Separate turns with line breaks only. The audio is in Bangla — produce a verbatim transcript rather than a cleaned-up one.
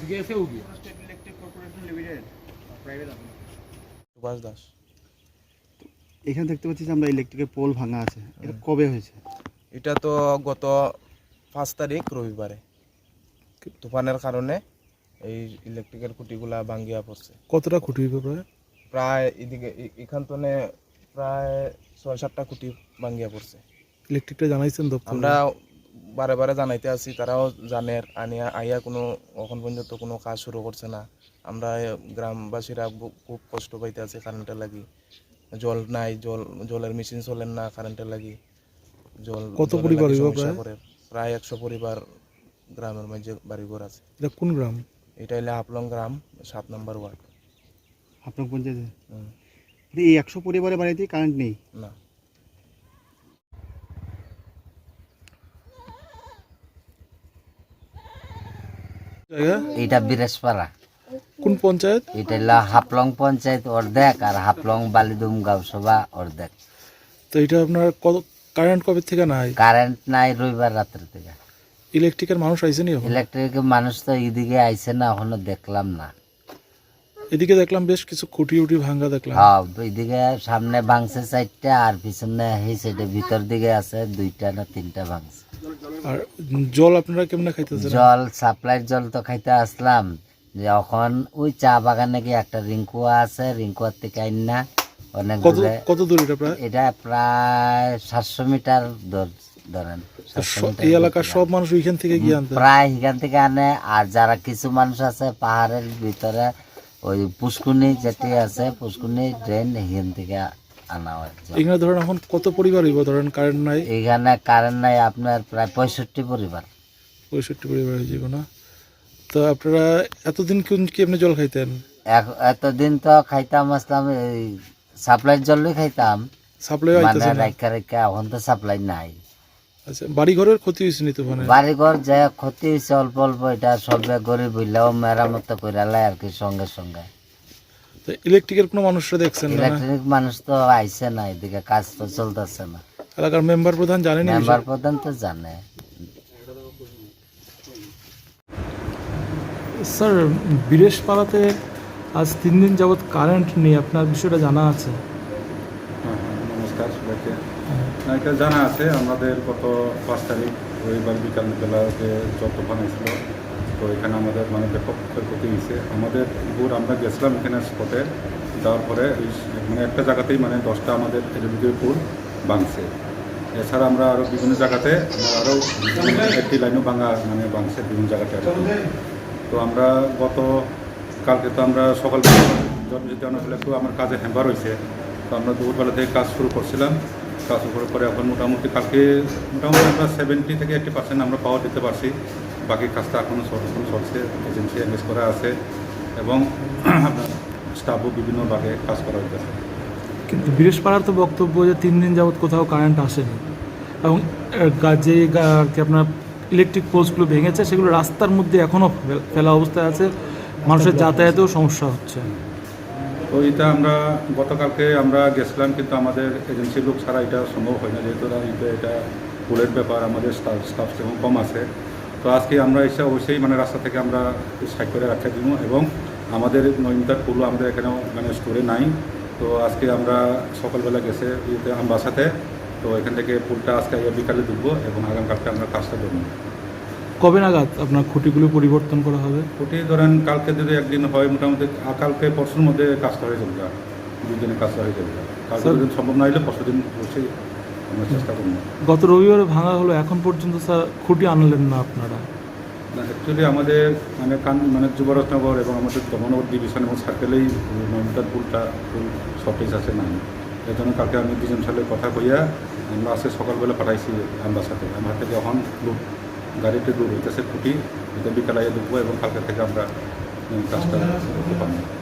সুভাষ দাস।
এখানে দেখতে পাচ্ছি যে আমরা ইলেকট্রিকের পোল ভাঙা আছে, এটা কবে হয়েছে?
এটা তো গত পাঁচ তারিখ রবিবারে তুফানের কারণে এই ইলেকট্রিকের খুঁটিগুলা ভাঙ্গিয়া পড়ছে।
কতটা খুঁটি হইবে প্রায়?
প্রায় এদিকে এ- এখান তো প্রায় ছয় সাতটা খুঁটি ভাঙ্গিয়া পড়ছে।
ইলেকট্রিকটা জানাইছেন দপ্তর?
আমরা বারে বারে জানাইতে আছি, তারাও জানের আনিয়া আইয়া কোনো এখন পর্যন্ত কোনো কাজ শুরু করছে না। আমরা গ্রামবাসীরা বু- খুব কষ্ট পাইতে আছি কারেন্টের লাগি। জল নাই, জল জলের মেশিন চলেন না কারেন্টের লাগি। জল
কত
জলের
পরিবার
লাগি
হইব
সমস্যা
প্রায়?
করে। প্রায় একশো পরিবার গ্রামের মাঝে বাড়িঘর আছে।
এটা কোন গ্রাম?
এটা হলে হাফলং গ্রাম, সাত নম্বর ওয়ার্ড।
আপনার পঞ্চায়েতে
হুম,
এই একশো পরিবারের বাড়িতে কারেন্ট নেই?
না।
জায়গা
এটা বিরেশপাড়া,
কোন পঞ্চায়েত?
এটা হলো হাফলং পঞ্চায়েত অর্ধেক আর হাফলং বালিদুম গাঁওসভা অর্ধেক।
তো এটা আপনার কত কারেন্ট কবে থেকে নাই?
কারেন্ট নাই রবিবার রাত্রে থেকে।
ইলেকট্রিকের মানুষ আইসেনি এখন?
ইলেকট্রিক মানুষ তো এদিকে আইছে না, এখনো দেখলাম না।
এদিকে দেখলাম বেশ কিছু খুঁটি উটি ভাঙ্গা দেখলাম।
হ্যাঁ, এদিকে সামনে ভাঙছে চারটা আর পিছনে এই সাইডে ভিতর দিকে আছে দুইটা না তিনটা ভাঙছে।
আর জল আপনারা কেমনে খাইতেছেন?
জল সাপ্লাইয়ের জল তো খাইতে আসলাম, যখন ওই চা বাগানে কি একটা রিঙ্কুয়া আছে, রিঙ্কুয়ার থেকে আইন না অনেক
কত
দূরে।
কত দূর এটা প্রায়?
এটা প্রায় সাতশো মিটার দূর ধরেন। সাতশো
স-
মিটার
এই
দূর
এলাকার
থেকে
সব মানুষ ওইখান থেকে গিয়ে আনতে?
প্রায় এখান থেকে আনে। আর যারা কিছু মানুষ আছে পাহাড়ের ভিতরে ওই পুষ্কুনি যেটি আছে, পুষ্কুনি ড্রেন এখান থেকে আনা হয় জল।
এখানে ধরেন এখন কত পরিবার হইব ধরেন কারেন্ট নাই?
এখানে কারেন্ট নাই আপনার প্রায় পঁয়ষট্টি পরিবার।
পঁয়ষট্টি পরিবার হয়ে যাবে না? তো আপনারা এতদিন কোন কি এমনি জল খাইতেন?
এক- এতদিন তো খাইতাম আসলাম এই সাপ্লাইয়ের জলই খাইতাম,
সাপ্লাই
মানে
আইতেছে না?
রাখা রেখা। এখন তো সাপ্লাই নাই।
আচ্ছা, বাড়ি ঘরের ক্ষতি হয়েছে নি তুফানে?
বাড়িঘর যে ক্ষতি হয়েছে অল্প অল্প, এটা সবে গরিব হইলেও মেরামত করে লাই আর কি সঙ্গে সঙ্গে।
তো ইলেকট্রিকের কোনো মানুষরা দেখছেন না?
ইলেকট্রিক মানুষ তো আইছে না, এদিকে কাজ তো চলতেছে না।
এলাকার মেম্বার প্রধান জানেন? এই
মেম্বার
বিষয়ে?
প্রধান তো জানে।
স্যার, বিরেশপাড়াতে আজ তিন দিন যাবৎ কারেন্ট নেই, আপনার বিষয়টা জানা আছে?
হ্যাঁ, হ্যাঁ, নমস্কার সবাইকে। না, এটা জানা আছে। আমাদের গত পাঁচ তারিখ রবিবার বিকালবেলা যে যত বানিয়েছিল, তো এখানে আমাদের মানে ব্যাপক ক্ষয়ক্ষতি হয়েছে। আমাদের পুর আমরা গেছিলাম এখানে স্পটে, যাওয়ার পরে ওই মানে একটা জায়গাতেই মানে দশটা আমাদের এলবিডির পুল ভাঙছে। এছাড়া আমরা আরও বিভিন্ন জায়গাতে আমার আরও একটি লাইনও ভাঙা মানে ভাঙছে বিভিন্ন জায়গাতে আর কি। তো আমরা গত কালকে তো আমরা সকালবেলা জন্মজিতে অনেক একটু আমার কাজে হ্যাম্বার হয়েছে, তো আমরা দুপুরবেলা থেকে কাজ শুরু করছিলাম। কাজ শুরু করার পরে এখন মোটামুটি কালকে মোটামুটি আমরা সেভেন্টি থেকে এইট্টি পার্সেন্ট আমরা পাওয়ার দিতে পারছি। বাকি কাজটা এখনও এখন চলছে, এজেন্সি এনগেজ করা আছে এবং আপনার স্টাফও বিভিন্ন ভাগে কাজ করা হইতেছে।
কিন্তু বিরেশপাড়ার তো বক্তব্য যে তিন দিন যাবৎ কোথাও কারেন্ট আসেনি, এবং আহ, গা- যে গা- আর কি আপনার ইলেকট্রিক পোলসগুলো ভেঙেছে সেগুলো রাস্তার মধ্যে এখনও ফেলা অবস্থায় আছে, মানুষের যাতায়াতেও সমস্যা হচ্ছে।
তো এটা আমরা গতকালকে আমরা গেছিলাম, কিন্তু আমাদের এজেন্সির লোক ছাড়া এটা সম্ভব হয় না, যেহেতু এটা এটা পুলের ব্যাপার, আমাদের স্টাফ স্টাফ সেরকম কম আছে। তো আজকে আমরা এসে অবশ্যই মানে রাস্তা থেকে আমরা সাইড করে রাখতে দিব, এবং আমাদের নয় মিটার পুলও আমাদের এখানেও মানে স্টোরে নাই। তো আজকে আমরা সকালবেলা গেছে ইয়েতে আমবাসাতে, তো এখান থেকে পুলটা আজকে বিকালে ঢুকবো এবং আগামীকালকে আমরা কাজটা করবো।
কবে নাগাদ আপনার খুঁটিগুলো পরিবর্তন করা হবে?
ওটি ধরেন কালকে যদি একদিন হয়, মোটামুটি কালকে পরশুর মধ্যে কাজটা হয়ে যাবে, দুই দিনে কাজটা হয়ে যাবে। কালকে যদি সম্ভব না হলে পরশু দিন অবশ্যই আমরা চেষ্টা করবো।
গত রবিবারে ভাঙা হলো, এখন পর্যন্ত স্যার খুঁটি আনলেন না আপনারা?
না, অ্যাকচুয়ালি আমাদের মানে কান মানে যুবরাজনগর এবং আমাদের দমনগর ডিভিশন এবং সার্কেলেই নয়মিটার পুলটা ফুল শর্টেজ আছে না। এই জন্য কালকে আমি দুজন সালে কথা কইয়া আমরা আজকে সকালবেলা পাঠাইছি আমার সাথে। আমার থেকে এখন লোক গাড়িতে দূর হইতেছে খুঁটি, এটা বিকালে ঢুকবো এবং কালকে থেকে আমরা কাজটা করতে পারবো।